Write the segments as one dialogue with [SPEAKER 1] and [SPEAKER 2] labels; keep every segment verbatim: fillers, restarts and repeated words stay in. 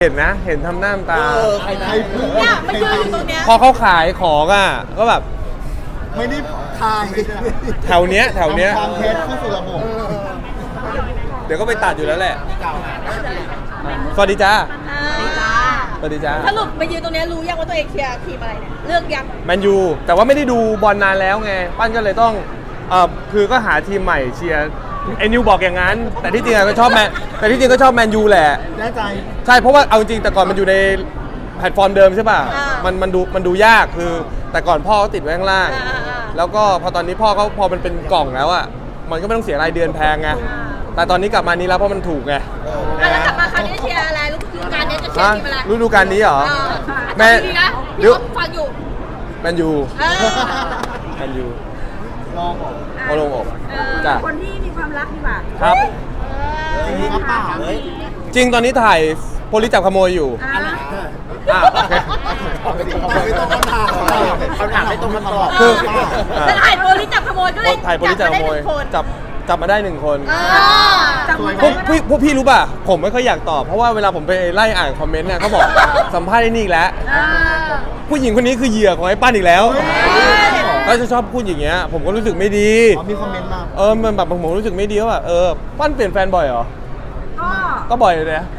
[SPEAKER 1] เห็นนะเห็นทำหน้าตา
[SPEAKER 2] ใครใครพูด
[SPEAKER 3] เนี่ยมันยืนอยู่ตรงเนี้ย
[SPEAKER 1] พอเขาขายของอ่ะก็แบบ
[SPEAKER 2] ไม่ได้ทาย
[SPEAKER 1] แถวเนี้ยแถวเนี้ย
[SPEAKER 2] ความเท็จเข้าสู่ระบบ
[SPEAKER 1] เดี๋ยวก็ไปตัดอยู่แล้วแหละสวัสดีจ้า
[SPEAKER 3] อ่า
[SPEAKER 1] สวัสดีจ้า
[SPEAKER 3] สรุปไปยืนตรงเนี้ยรู้ยังว่าตัวเองเชียร์ทีมอะไรเนี่ยเลือกยัง
[SPEAKER 1] แมนยูแต่ว่าไม่ได้ดูบอลนานแล้วไงปั้นก็เลยต้องเออคือก็หาทีมใหม่เชียร์ไอ้นิวบอกอย่างนั้น แต่ที่จริงอะก็ชอบแมนแต่ที่จริงก็ชอบแมนยูแหละ
[SPEAKER 2] แน่ใจ
[SPEAKER 1] ใช่เพราะว่าเอาจริงแต่ก่อนมันอยู่ในแพลตฟอร์มเดิมใช่ป่ะมันมันดูมันดูยากคือแต่ก่อนพ่อเขาติดไว้ข้างล่าง แล้วก็พอตอนนี้พ่อเขาพอมันเป็นกล่องแล้วอ่ะมันก็ไม่ต้องเสียรายเดือนแพงไงแต่ตอนนี้กลับมานี้แล้วเพราะมันถูกไง
[SPEAKER 3] อ่ะแล้วกลับมาคราวนี้เชียร์อะไรฤดูกาลนี้จะเชีย
[SPEAKER 1] ฮะ
[SPEAKER 3] ร์ทีมอะไร
[SPEAKER 1] ฤดูกาลนี้เหรอ
[SPEAKER 3] เออ
[SPEAKER 1] แม่
[SPEAKER 3] ดีนะ
[SPEAKER 1] เดี๋ยว
[SPEAKER 3] ฟังอยู่
[SPEAKER 1] แมนยู
[SPEAKER 3] เออ
[SPEAKER 1] แมนยู
[SPEAKER 2] ลองบอก
[SPEAKER 1] โอลงอกจ้ะ
[SPEAKER 4] คนที่มีความรักดีกว่า
[SPEAKER 1] ครับ
[SPEAKER 2] จริงหรือเปล่าเฮ้ย
[SPEAKER 1] จริงตอนนี้ถ่ายโพลิจับขโมยอยู่
[SPEAKER 4] อ่า
[SPEAKER 1] อ่ะโอเค
[SPEAKER 2] ไม่ต้องคำถามคำถามไม่ต้องคำตอบ
[SPEAKER 1] คือ
[SPEAKER 3] แต่ถ่ายโพลิจับขโมยก็เลย
[SPEAKER 1] ถ่ายโพลิจับขโมย
[SPEAKER 3] จับ
[SPEAKER 1] จับจับมาได้หนึ่งคน
[SPEAKER 3] เออ
[SPEAKER 4] จับมือ
[SPEAKER 1] พวกพี่พวกพี่รู้ป่ะ ผมไม่ค่อยอยากตอบ เพราะว่าเวลาผมไปไล่อ่านคอมเมนต์เนี่ยเขาบอกสัมภาษณ์ไอ้นี่อีกแล้ว
[SPEAKER 3] อ่า
[SPEAKER 1] ผู้หญิงคนนี้คือเหยื่อของไอ้ปั้นอีกแล้ว ก็จะชอบพูดอย่างเงี้ย ผมก็รู้สึกไม่ดี
[SPEAKER 2] อ๋อมีคอมเมนต์มา
[SPEAKER 1] เออ มันแบบผมรู้สึกไม่ดีว่าแบบเออ ปั้นเปลี่ยนแฟนบ่อยเหรอ
[SPEAKER 4] ก็
[SPEAKER 1] ก็บ่อยเลยนะ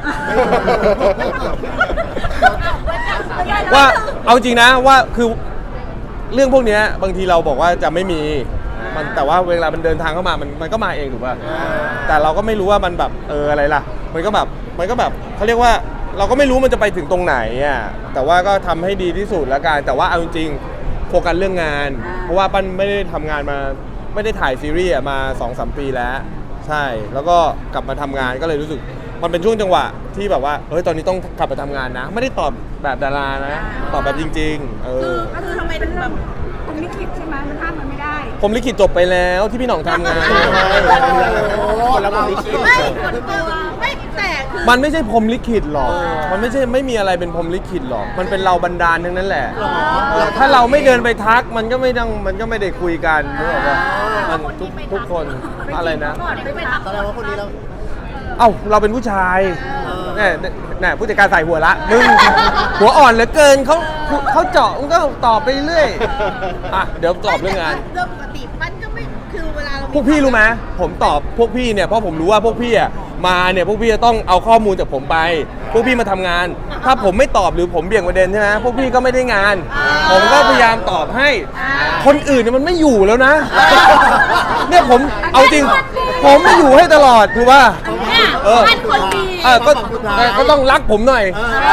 [SPEAKER 1] ว่าเอาจริงนะว่าคือเรื่องพวกเนี้ยบางทีเราบอกว่าจะไม่มีมันแต่ว่าเวลามันเดินทางเข้ามามันมันก็มาเองถูกป่ะแต่เราก็ไม่รู้ว่ามันแบบเอออะไรล่ะ มันก็แบบมันก็แบบเขาเรียกว่าเราก็ไม่รู้มันจะไปถึงตรงไหนอ่ะแต่ว่าก็ทำให้ดีที่สุดแล้วกันแต่ว่าเอาจริงๆโฟกัสเรื่องงาน เพราะว่าปั้นไม่ได้ทำงานมาไม่ได้ถ่ายซีรีส์อะมา สองสาม ปีแล้วใช่แล้วก็กลับมาทำงานก็เลยรู้สึกมันเป็นช่วงจังหวะที่แบบว่าเฮ้ยตอนนี้ต้องกลับไปทำงานนะ ไม่ได้ตอบแบบดารานะตอบแบบจริงๆเอ
[SPEAKER 3] คือ
[SPEAKER 4] อ
[SPEAKER 3] ก็คือทำไมถึงแบบ
[SPEAKER 4] ผมลิขิตใช่ไหมมันห้ามมันไม่ได้
[SPEAKER 1] ผมลิขิตจบไปแล้วที่พี่หน่องทำงาน
[SPEAKER 2] คนละคนลิขิต
[SPEAKER 3] ไม่กดตัวไม่แต่คือ
[SPEAKER 1] มันไม่ใช่พรหมลิขิตหรอก มันไม่ใช่ไม่มีอะไรเป็นพรหมลิขิตหรอก มันเป็นเราบันดาลทั้งนั้นแหละเออถ้าเราไม่เดินไปทักมันก็ไม่ต้องมันก็ไม่ได้คุยกันนึกออกปะมันทุกทุกคนอะไรนะ
[SPEAKER 3] ก่อนไปทำ
[SPEAKER 2] แสดงว่าคนนี้เรา
[SPEAKER 1] เอ้าเราเป็นผู้ชายเนี่ยเนี่ยผู้จัดการใส่หัวละมึงหัวอ่อนเหลือเกินเขาเขาเจาะมึงก็ตอบไปเรื่อยอ่ะเดี๋ยวตอบเรื่องงาน
[SPEAKER 3] เรื่องปกติมันก็ไม่คือเวลาเรา
[SPEAKER 1] พวกพี่รู้ไหมผมตอบพวกพี่เนี่ยเพราะผมรู้ว่าพวกพี่อ่ะมาเนี่ยพวกพี่จะต้องเอาข้อมูลจากผมไป พวกพี่มาทำงาน ถ้าผมไม่ตอบหรือผมเบี่ยงประเด็นใช่ไหมพวกพี่ก็ไม่ได้งาน ผมก็พยายามตอบให้ คนอื่นเนี่ยมันไม่อยู่แล้วนะ เนี่ยผมเอาจริง ผมไม่อยู่ให้ตลอดถูกป่ะ
[SPEAKER 3] เนี่ย
[SPEAKER 1] เออ
[SPEAKER 3] มันคนดี
[SPEAKER 1] เออก็ก็ต้องรักผมหน่อย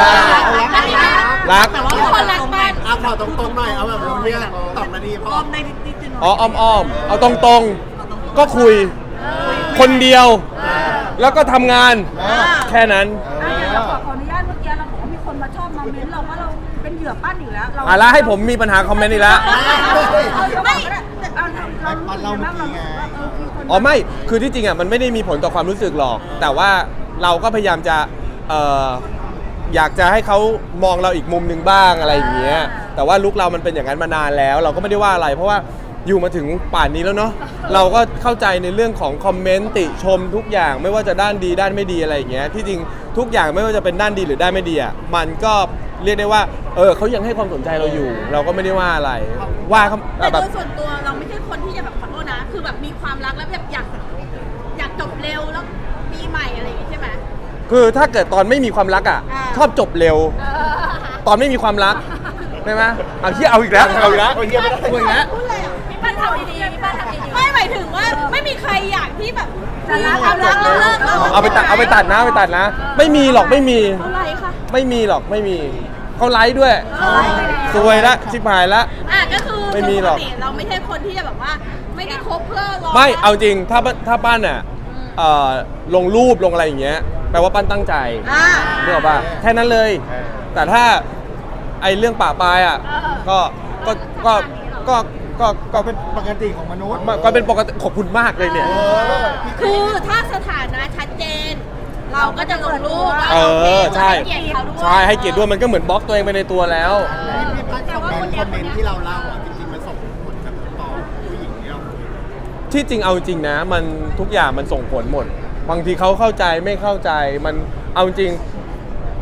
[SPEAKER 1] รัก
[SPEAKER 3] แต่ว่าคนรักมัน
[SPEAKER 2] เอาข่าวตรงๆหน่อยเอาแบบเนี้ยตอบมาดีพอ
[SPEAKER 1] อ๋ออ้อมๆเอาตรงๆ ก็คุย คนเดียว แล้วก็ทำงาน แค่นั้น
[SPEAKER 4] อ่ะเราขอขออนุญาตเมื่อกี้เราบอกว่ามีคนมาชอบมาเม้นเราว่าเราเป็นเหยื่อปั้นอยู่แล้วเรา
[SPEAKER 1] อ่ะแล้วให้ผมมีปัญหาคอมเมนต์อีกแล้ว
[SPEAKER 4] ไม่เอาเราเราเราเราเออคือคน
[SPEAKER 1] อ๋อไม่ คือที่จริงอ่ะมันไม่ได้มีผลต่อความรู้สึกหรอก แต่ว่าเราก็พยายามจะเอ่ออยากจะให้เขามองเราอีกมุมหนึ่งบ้างอะไรอย่างเงี้ย แต่ว่าลุคเรามันเป็นอย่างนั้นมานานแล้ว เราก็ไม่ได้ว่าอะไร เพราะว่าอยู่มาถึงป่านนี้แล้วเนาะ เราก็เข้าใจในเรื่องของคอมเมนต์ติชมทุกอย่างไม่ว่าจะด้านดีด้านไม่ดีอะไรอย่างเงี้ย ที่จริงทุกอย่างไม่ว่าจะเป็นด้านดีหรือด้านไม่ดีอ่ะ มันก็เรียกได้ว่า เออเขายังให้ความสนใจเราอยู่ เราก็ไม่ได้ว่าอะไร ว่าเขา
[SPEAKER 3] แต่
[SPEAKER 1] แบ
[SPEAKER 3] โด
[SPEAKER 1] บ
[SPEAKER 3] ยส่วนตัวเราไม่ใช่คนที่จะแบบขอโทษนะ คือแบบมีความรักแล้วแบบอยากอยากจบเร็วแล้วมีใหม่อะไรอย่างงี้ใช่ไหม
[SPEAKER 1] คือถ้าเกิดตอนไม่มีความรักอ่ะ
[SPEAKER 3] อ่า
[SPEAKER 1] ชอบจบเร็ว
[SPEAKER 3] เออ
[SPEAKER 1] ตอนไม่มีความรักใช่ไหมเอาที่เอาอีกแล้วเอาอีกแล้ว
[SPEAKER 2] เอาเหี้ยไม่ได้
[SPEAKER 1] เอาอีกแล้ว
[SPEAKER 3] พูดเลยอ่ะพี่ปั้นทำดีๆพี่ปั้นทำดีๆไม่หมายถึงว่าไม่มีใครอยากที่แบบมีความรักแล้วเลิกแล้ว
[SPEAKER 1] เอาไปตัดเอาไปตัดนะเอาไปตัดนะ ไม่มีหรอกไม่มี
[SPEAKER 3] เท่าไหร่คะ
[SPEAKER 1] ไม่มีหรอกไม่มีเขาไลฟ์ด้วยซวยละชิบหายละ
[SPEAKER 3] อ่ะก็คือ
[SPEAKER 1] ไม่มีหรอก
[SPEAKER 3] ปติเราไม่ใช่คนที่จะแบบว่าไม่ได้คบเพื่อรอ
[SPEAKER 1] ไม่เอาจริงถ้าถ้าปั้นอ่ะเอ่อลงรูปลงอะไรอย่างเงี้ยแปลว่าปั้นตั้งใจ
[SPEAKER 3] อ่า
[SPEAKER 1] เรื่องป่ะแค่นั้นเลย แต่ถ้าไอเรื่องป่าปลายอ่ะก็ก็ก็ก็ก็ก็
[SPEAKER 2] ก็เป็นปกติของมนุษย์
[SPEAKER 1] ก็เป็นปกติขอบคุณมากเลยเนี่ย
[SPEAKER 2] เออ
[SPEAKER 3] คือถ้าสถานะชัดเจน เราก็จะลงรูปว่า
[SPEAKER 1] เออใช่
[SPEAKER 3] ให้เกียรติเขาด้วย
[SPEAKER 1] ใช่ให้เกียรติด้วยมันก็เหมือนบล็อกตัวเองไปในตัวแล้ว
[SPEAKER 2] พี่พัดคอมเมนต์คอมเมนต์ที่เราเล่าอ่ะจริงๆมันส่งผลกับต่อผู้หญิงที่เราคุย
[SPEAKER 1] ที่จริงเอาจริงนะมันทุกอย่างมันส่งผลหมด บางทีเขาเข้าใจไม่เข้าใจมันเอาจริงค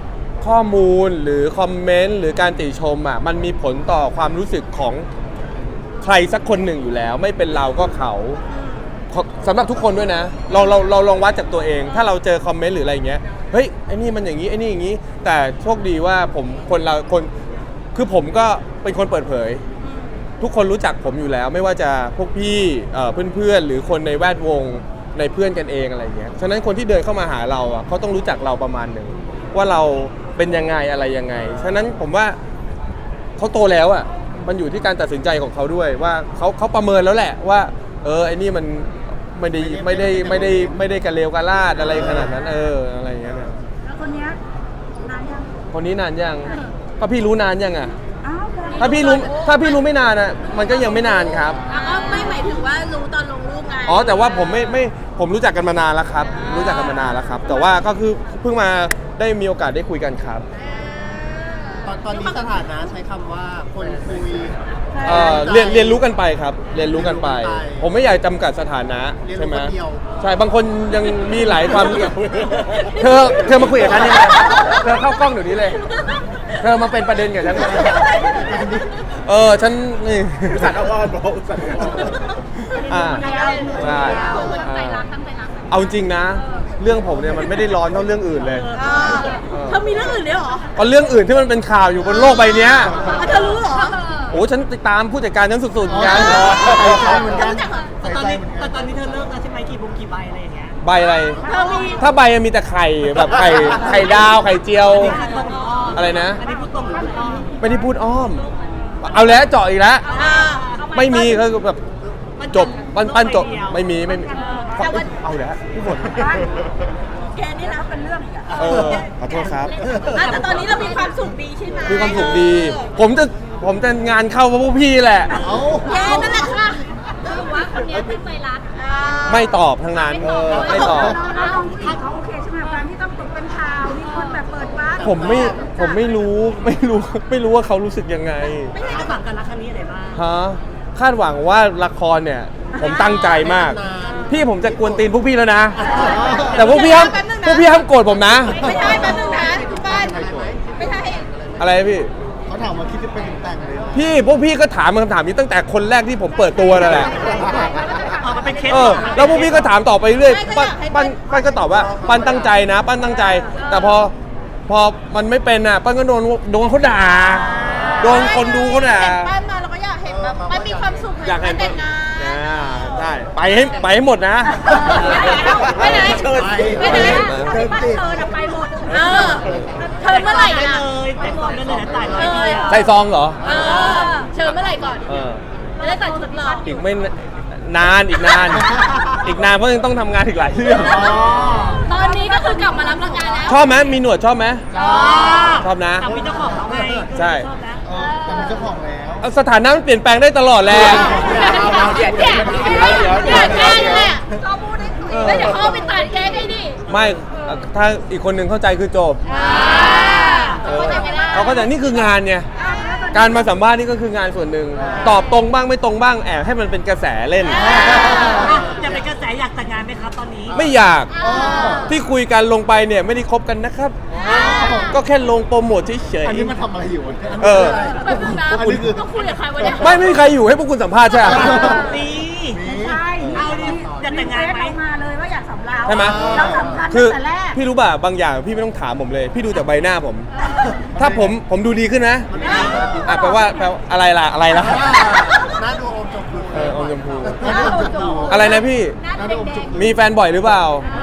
[SPEAKER 1] ข้อมูลหรือคอมเมนต์หรือการติชมอ่ะมันมีผลต่อความรู้สึกของใครสักคนหนึ่งอยู่แล้ว ไม่เป็นเราก็เขาสำหรับทุกคนด้วยนะเราเราเราลองวัดจากตัวเอง ถ้าเราเจอคอมเมนต์หรืออะไรอย่างเงี้ยเฮ้ยไอ้นี่มันอย่างนี้ไอ้นี่อย่างนี้แต่โชคดีว่าผมคนเราคนคือผมก็เป็นคนเปิดเผย ทุกคนรู้จักผมอยู่แล้ว ไม่ว่าจะพวกพี่เอ่อเพื่อนๆหรือคนในแวดวงในเพื่อนกันเองอะไรเงี้ยฉะนั้นคนที่เดินเข้ามาหาเราอ่ะเขาต้องรู้จักเราประมาณหนึ่งว่าเราเป็นยังไงอะไรยังไงฉะนั้นผมว่าเขาโตแล้วอ่ะมันอยู่ที่การตัดสินใจของเขาด้วยว่าเขาเขาประเมินแล้วแหละว่าเออไอ้นี่มันไม่ได้ไม่ได้ไม่ได้ไม่ได้กระเลวกระลาดอะไรขนาดนั้นเอออะไรอย่างเงี้ยเนี่ย
[SPEAKER 4] แล้วคนเนี้ยนานยัง
[SPEAKER 1] คนนี้นานยังก็พี่รู้นานยังอ่ะ
[SPEAKER 4] อ้าวคนนี้
[SPEAKER 1] ถ้าพี่รู้ถ้าพี่รู้ไม่นานอ่ะมันก็ยังไม่นานครับ
[SPEAKER 3] อ่ะก็ไม่หมายถึงว่ารู้ตอนลงรูปไง
[SPEAKER 1] อ๋อแต่ว่าผมไม่ไม่ผมรู้จักกันมานานแล้วครับ รู้จักกันมานานแล้วครับ แต่ว่าก็คือเพิ่งมาได้มีโอกาสได้คุยกันครับ
[SPEAKER 2] ตอนตอนนี้สถานะใช้คำว่าคนคุย
[SPEAKER 1] เอ่อเรียนเรียนรู้กันไปครับ เรียนรู้กันไป
[SPEAKER 2] เรียนรู้กันไป
[SPEAKER 1] ผมไม่อยากจำกัดสถานะ
[SPEAKER 2] เรียนรู้
[SPEAKER 1] ใช่ไหม
[SPEAKER 2] คนเดียว
[SPEAKER 1] ใช่บางคนยังมีหลายความ เธอเธอมาคุยกับฉันนี่นะเธอเข้ากล้องเดี๋ยวนี้เลย เธอมาเป็นประเด็นกับฉันเลยเออฉันนี่
[SPEAKER 2] สัตว์อ้อนบอกสัตว์อ้อน
[SPEAKER 1] อ่าใช่
[SPEAKER 3] คนใจรักตั้งใจรัก
[SPEAKER 1] เอาจริงนะ เรื่องผมเนี่ยมันไม่ได้ร้อนเท่าเรื่องอื่นเลย
[SPEAKER 3] อ่าเธอมีเรื่องอื่นด้วยเหรอ
[SPEAKER 1] เพราะเรื่องอื่นที่มันเป็นข่าวอยู่บนโลกใบเนี้ย
[SPEAKER 3] อ่ะเธอรู้เหรอ
[SPEAKER 1] โอ้ฉันติดตามผู้จัดการฉันสุดๆเหมือนกัน
[SPEAKER 2] ใส่ใจเหมือนกัน
[SPEAKER 3] รู้จักเหรอ
[SPEAKER 2] ใส่
[SPEAKER 5] ตอน
[SPEAKER 2] ใจ
[SPEAKER 5] นี้
[SPEAKER 2] เหมือนกั
[SPEAKER 5] แต่
[SPEAKER 2] น
[SPEAKER 5] ตอนนี้เธอเลิกแล้วใช่ไหมกี่บุกกี่ใบอะไรอย่างเงี้ย
[SPEAKER 1] ใบอะไร
[SPEAKER 3] เธอมี
[SPEAKER 1] ถ้าใบมีแต่ไข่แบบไข่ไข่ดาวไข่เจียว
[SPEAKER 5] อันนี้คือตรงหรืออ้อม
[SPEAKER 1] อะไรนะ
[SPEAKER 5] อันนี้พูดตรงหรือพูดอ้อม
[SPEAKER 1] ไม่ได้พูดอ้อม เอาแล้วเจาะอีกแล้ว
[SPEAKER 3] อ่า
[SPEAKER 1] ไม่มีคือแบบจบปั้นปั้นจบไม่มีไม่มี
[SPEAKER 3] แต่วัน
[SPEAKER 1] เอาแล้วพี่ฝน
[SPEAKER 3] แกนี่นะเป็นเรื่องอีกอะ
[SPEAKER 1] เออขอโทษครับ
[SPEAKER 3] อ่ะแต่ตอนนี้เรามีความสุขดีใช่ไหม
[SPEAKER 1] มีความสุขดี ผมจะผมจะงานเข้าเพราะพวกพี่แหละ
[SPEAKER 2] เอ้า
[SPEAKER 3] แกนั่นแหละค่ะคือว่าคนนี้ตั้งใจรักอ่า
[SPEAKER 1] ไม่ตอบทั้งนั้นเออไม่ตอบ
[SPEAKER 4] น้องๆที่เขาโอเคใช่ไหมกับการที่ต้องตกเป็นข่าวมีคนแบบเปิดวาร์ป
[SPEAKER 1] ผมไม่ผมไม่รู้ไม่รู้ไม่รู้ว่าเขารู้สึกยังไง
[SPEAKER 5] คาดหวังกันรักครั้งนี้อะไรบ้าง
[SPEAKER 1] ฮะคาดหวังว่าละครเนี่ย ผมตั้งใจมาก พี่ผมจะกวนตีนพวกพี่แล้วนะ แต่พวกพี่ห้ามพวกพี่ห้ามโกรธผมนะ
[SPEAKER 3] ไม่ใช่แป๊บนึงนะคุณบ้านไม่ใช่
[SPEAKER 1] อะไรพี่
[SPEAKER 2] เขาถามว่าคิดจะเป็นแต่งเลยเหรอ
[SPEAKER 1] พี่พวกพี่ก็ถามคำถามนี้ตั้งแต่คนแรกที่ผมเปิดตัวนั่นแหละ
[SPEAKER 5] อ๋อมันเป็นเคส
[SPEAKER 1] เออแล้วพวกพี่ก็ถามต่อไปเรื่อยปั้นปั้นปั้นก็ตอบว่าปั้นตั้งใจนะ ปั้นตั้งใจ แต่พอพอมันไม่เป็นอ่ะปั้นก็โดนโดนเขาด่าโดนคนดูเขาด่า
[SPEAKER 3] เห็นบ้านมาเราก็อยากเห็นแบบมันมีความสุข
[SPEAKER 1] อยากเห็น
[SPEAKER 3] แต่งงาน
[SPEAKER 1] อ่าได้ไปให้ไปให้หมดนะ
[SPEAKER 3] ไปไหน
[SPEAKER 2] เชิญ
[SPEAKER 3] ไปไหน
[SPEAKER 2] เชิญติด
[SPEAKER 4] เธอน่ะไปหมด
[SPEAKER 3] เออเชิญเมื่อไหร่
[SPEAKER 5] ได้
[SPEAKER 3] นะ
[SPEAKER 5] เลยแต่ก่อนได้เลยนะจ่ายร้อยเดียว
[SPEAKER 1] ใส่ซองเหรอ
[SPEAKER 3] เออเชิญเมื่อไหร่ก่อน
[SPEAKER 1] เออ
[SPEAKER 3] จะได้ตัดชุดหรอ
[SPEAKER 1] อีกไม่นานอีกนาน อีกนานเพราะยังต้องทำงานอีกหลายเรื่อง
[SPEAKER 2] อ๋อ
[SPEAKER 3] ตอนนี้ก็คือกลับมารับรางวัลแล้ว
[SPEAKER 1] ชอบไหมมีหนวดชอบไหมชอบนะ
[SPEAKER 5] แต่มีเจ้าของแล้วไง
[SPEAKER 1] ใช่
[SPEAKER 5] ชอบนะ
[SPEAKER 2] เออแต่มีเจ้าของแล้ว
[SPEAKER 1] เอาสถานะมันเปลี่ยนแปลงได้ตลอดแหละ
[SPEAKER 3] เดี๋ยวเดี๋ยวเดี๋ยวเดี๋ยวแกล้งเลยเขาพูดได้คุยแล้วเดี๋ยวเขาเอาไปตัดแกล้งให้ดิ
[SPEAKER 1] ไม่ถ้าอีกคนหนึ่งเข้าใจคือจบ
[SPEAKER 3] อ่า
[SPEAKER 1] เอ
[SPEAKER 3] เขา
[SPEAKER 1] อ
[SPEAKER 3] จะไม่ได้
[SPEAKER 1] เขาก็จะนี่คืองานไงการมาสัมภาษณ์นี่ก็คืองานส่วนหนึ่งตอบตรงบ้างไม่ตรงบ้างแอบให้มันเป็นกระแสเล่น
[SPEAKER 5] อยากเป็นกระแสอยากแต่งงานไหมครับตอนนี้
[SPEAKER 1] ไม่อยากที่คุยกันลงไปเนี่ยไม่ได้คบกันนะครับ ก็แค่ลงโปรโมทเฉย
[SPEAKER 2] อันนี้มันทำอะไรอยู่วะ
[SPEAKER 1] เออ
[SPEAKER 3] แป๊บนึงนะ
[SPEAKER 2] อันนี้คือ
[SPEAKER 3] ต้องคุยกับใครวะเนี่ย
[SPEAKER 1] ๆไม่ไม่มีใครอยู่ให้พวกคุณสัมภาษณ์ใช่ไหม
[SPEAKER 5] ดี
[SPEAKER 4] ใช่
[SPEAKER 5] เอาดิอยากแต่งงานไหม
[SPEAKER 4] เรมาเลยว่าอยากสำเรา
[SPEAKER 1] ใช่ไหม
[SPEAKER 4] เราสำคัญ
[SPEAKER 1] คือ
[SPEAKER 4] ตั้งแต่แรก
[SPEAKER 1] พี่รู้ป่ะบางอย่างพี่ไม่ต้องถามผมเลย พี่ดูจากใบหน้าผม ถ้าผมผมดูดีขึ้นนะอ่ะแปลว่าแปลว่าอะไรล่ะอะไรล่ะ
[SPEAKER 2] หน้าดูอมชมพู
[SPEAKER 1] เอออมชมพู
[SPEAKER 2] หน้าดูอมชมพู
[SPEAKER 1] อะไรนะพี่
[SPEAKER 2] หน้าดูอมชมพู
[SPEAKER 1] มีแฟนบ่อยหรือเปล่า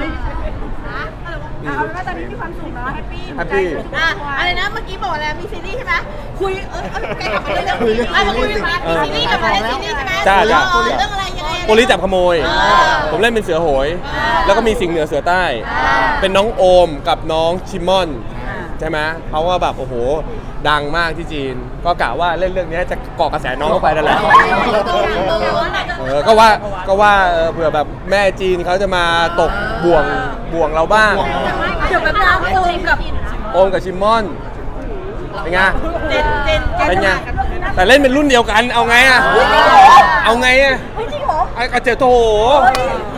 [SPEAKER 4] เอาเป็นว่าตอนนี้มีความสุขเนาะแฮปปี้
[SPEAKER 1] แฮปปี้
[SPEAKER 3] อ่ะอะไรนะเมื่อกี้บอกอะไรมีซีรีส์ใช่ไหมคุยเออเออแกกลับมาเรื่องนี้อ่ะมาคุยมามีซีรีส์กลับมาเล่นซีรีส์ใช่ไหม
[SPEAKER 1] จ้าจ้า
[SPEAKER 3] เออเรื่องอะไรยังไง
[SPEAKER 1] โปลิจับขโมย
[SPEAKER 3] อ่า
[SPEAKER 1] ผมเล่นเป็นเสือโหย
[SPEAKER 3] อ่า
[SPEAKER 1] แล้วก็มีสิงห์เหนือเสือใต้
[SPEAKER 3] อ่า
[SPEAKER 1] เป็นน้องโอมกับน้องชิมอนใช่ไหมเขาก็แบบโอ้โหดังมากที่จีน ก็กะว่าเล่นเรื่องนี้จะเกาะกระแสน้องเข้าไปนั่นแหละเออก็ว่าก็ว่าเออเผื่อแบบแม่จีนเขาจะมาตกบ่วงบ่วงเราบ้าง
[SPEAKER 3] เดี๋ยวแป๊บนึงโอมกับ
[SPEAKER 1] โอมกับชิมอนเป็นไง
[SPEAKER 3] เจนเจน
[SPEAKER 1] เป็นไงแต่เล่นเป็นรุ่นเดียวกันเอาไงอะเอาไงอะ
[SPEAKER 4] เฮ้ยจริงเหรอ
[SPEAKER 1] ไอ้กระเจโถ
[SPEAKER 4] เฮ้ย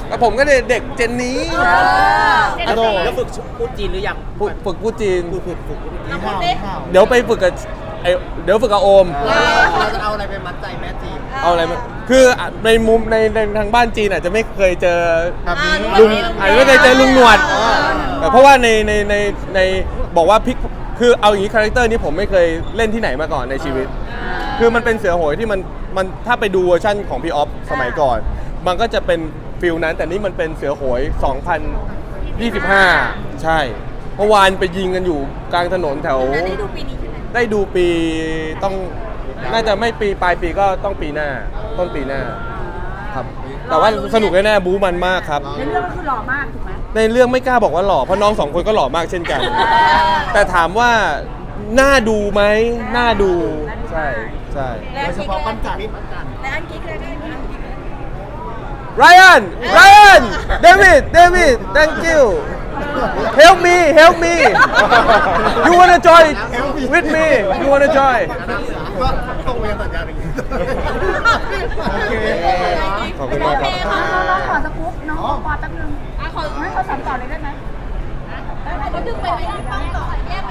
[SPEAKER 1] แล้วผมก็เด็กเด็กเจนนี้อะโด
[SPEAKER 6] แล้วฝึกพูดจีนหรือยัง
[SPEAKER 1] ฝึกฝึกพูดจีน
[SPEAKER 6] ฝึกฝึกฝึกพูดจีน
[SPEAKER 3] เราพูดดิ
[SPEAKER 1] เดี๋ยวไปฝึกกับไอเดี๋ยวฝึกกับโอม
[SPEAKER 2] เราจะเอาอะไรไปมัดใจแม่จีน
[SPEAKER 1] เอาอะไรมาคือในมุมในในทางบ้านจีนอาจจะไม่เคยเจอ
[SPEAKER 2] แบบนี้
[SPEAKER 1] ลุงอาจจะไม่เคยเจอลุงหนวดแต่เพราะว่าในในในในบอกว่าพลิกคือเอาอย่างนี้คาแรคเตอร์นี้ผมไม่เคยเล่นที่ไหนมาก่อนในชีวิต คือมันเป็นเสือโหยที่มันมันถ้าไปดูเวอร์ชั่นของพี่ออฟสมัยก่อน มันก็จะเป็นฟิลนั้นแต่นี่มันเป็นเสือโหย สองพันยี่สิบห้า ใช่เมื่อวานไปยิงกันอยู่กลางถนนแถว
[SPEAKER 3] แล้วได้ดูปีนี้ใช่ไหม
[SPEAKER 1] ได้ดูปีต้องน่าจะไม่ปีปลายปีก็ต้องปีหน้าต้นปีหน้าครับ แต่ว่าสนุกแน่ๆบู๊มันมากครับ
[SPEAKER 4] ในเรื่องก็คือหล่อมากถูกไหม
[SPEAKER 1] ในเรื่องไม่กล้าบอกว่าหล่อเพราะน้องสองคนก็หล่อมากเช่นกัน แต่ถามว่าน่าดูไหมน่าดูใช่ใช่
[SPEAKER 2] โดยเฉพาะปั้นจันทร์
[SPEAKER 3] และอันกิ๊กเลยได้อันกิ๊ก
[SPEAKER 1] Ryan Ryan David David thank you help me help me you wanna join with me you wanna join
[SPEAKER 2] ก็ตรงเวรสัญญาอย่างนี้โอเค
[SPEAKER 1] ขอบคุณมากครับ
[SPEAKER 4] เราเราขอสกู๊ปน้องปอปอแป๊บนึง
[SPEAKER 3] อ่ะขอ
[SPEAKER 4] ให้เขาสานต่อเลยได้ไหม
[SPEAKER 3] เขาดึงไปไม่ได้ป้องต่อแยกไป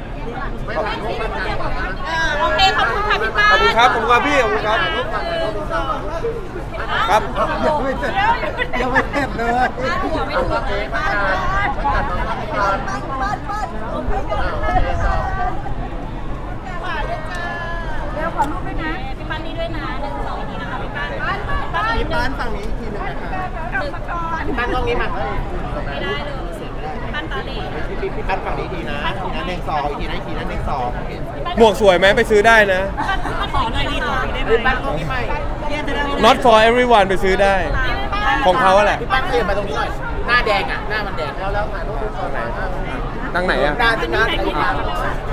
[SPEAKER 3] เออโอเคขอบคุณค่ะพี่ป้า
[SPEAKER 1] ขอบคุณครับขอบคุณครับพี่ขอบคุณครับครับ
[SPEAKER 2] ยังไม่เสร็จยังไม่เสร็จเลย
[SPEAKER 3] หัวไม่ถูกเลยป้าป้าป้าป้าป้าโอเคกัน
[SPEAKER 4] เดี๋ยวขอรูปด้วยนะ
[SPEAKER 3] พี่ป้านี่ด้วยนะหนึ่งสองทีนะคะพี่ป้าป้าป้า
[SPEAKER 2] มีบ้านฝั่งนี้อีกทีหนึงนะคะ
[SPEAKER 6] ปั้นกล้องนี้มา
[SPEAKER 3] ไม่ได้เลยป้าตาเหล่
[SPEAKER 6] พี่พี่ปั้นฝั่งนี้ทีนะทีนั้นหนึ่งสองอีกทีนั้นอีกทีนั้นหนึ่งสอง
[SPEAKER 1] หมวกสวยไหมไปซื้อได้นะ
[SPEAKER 5] ขอหน่อยดีขอหน่อยได้ไหม
[SPEAKER 6] พี่ปั้นกล้องนี้ใหม่
[SPEAKER 5] แยกจะได้
[SPEAKER 1] not for everyone ไปซื้อได้ ของเขาแหละ
[SPEAKER 6] พี่ปั้นเปลี่ยนมาตรงนี้หน่อย หน้าแดงอ่ะ หน้ามันแดงแล้วแล้วถ่ายรูปสวยๆ
[SPEAKER 1] ตั้งไหนอะ
[SPEAKER 6] หน้าที่หน้าที่หน้า